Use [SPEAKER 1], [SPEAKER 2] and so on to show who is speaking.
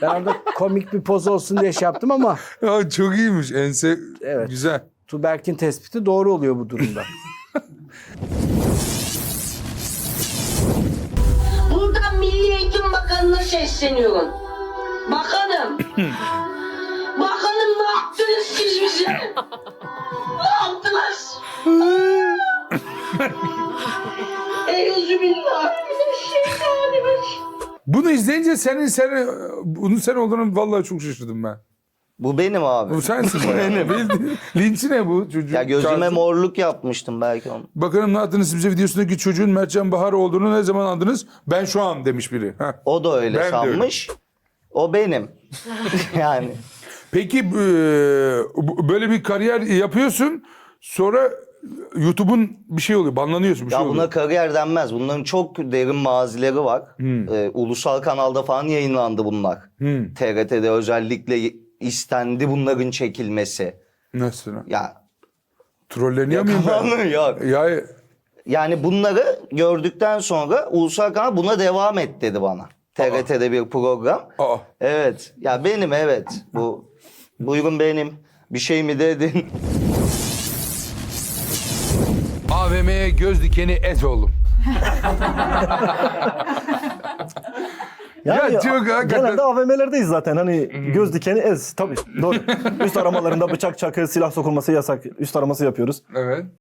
[SPEAKER 1] Ben orada komik bir poz olsun diye şey yaptım ama
[SPEAKER 2] Ya çok iyiymiş. Ense
[SPEAKER 1] Evet.
[SPEAKER 2] güzel.
[SPEAKER 1] Tuğberk'in tespiti doğru oluyor bu durumda.
[SPEAKER 3] Buradan Milli Eğitim Bakanı'na sesleniyorum. Bakanım. Bakanım ne yaptınız siz bize? Ne yaptınız? Euzubillahimineşşeytanirracim.
[SPEAKER 2] Bunu izleyince bunun sen olduğunu vallahi çok şaşırdım ben.
[SPEAKER 4] Bu benim abi.
[SPEAKER 2] Bu sensin bayağı. Bildiğin. Linçi ne bu çocuk?
[SPEAKER 4] Ya gözüme
[SPEAKER 2] Kazım.
[SPEAKER 4] morluk yapmıştım belki onu.
[SPEAKER 2] Bakanım ne yaptınız bize videosundaki çocuğun Mertcan Bahar olduğunu ne zaman andınız? Ben şu an demiş biri. Heh.
[SPEAKER 4] O da öyle
[SPEAKER 2] Ben de
[SPEAKER 4] sanmış. O benim. Yani.
[SPEAKER 2] Peki böyle bir kariyer yapıyorsun. Sonra YouTube'un bir şey oluyor. Banlanıyorsun bir
[SPEAKER 4] Ya
[SPEAKER 2] şey
[SPEAKER 4] buna
[SPEAKER 2] oluyor.
[SPEAKER 4] kariyer denmez. Bunların çok derin mazileri var. Ulusal kanalda falan yayınlandı bunlar. TRT'de özellikle istendi bunların çekilmesi.
[SPEAKER 2] Nasıl?
[SPEAKER 4] Ya
[SPEAKER 2] Trolleniyor muyum ben?
[SPEAKER 4] kafanı yok.
[SPEAKER 2] Ya
[SPEAKER 4] Yani bunları gördükten sonra ulusal kanal buna devam et dedi bana. TRT'de bir program.
[SPEAKER 2] aa.
[SPEAKER 4] Evet. Ya benim evet. Buyurun benim. Bir şey mi dedin?
[SPEAKER 2] AVM'ye göz dikeni et oğlum.
[SPEAKER 5] Yani
[SPEAKER 2] Ya çok hakikaten-
[SPEAKER 5] genelde AVM'lerdeyiz zaten. Hani göz dikeni ez. Tabii doğru. Üst aramalarında bıçak, çakı, silah sokulması yasak. Üst araması yapıyoruz.
[SPEAKER 2] Evet.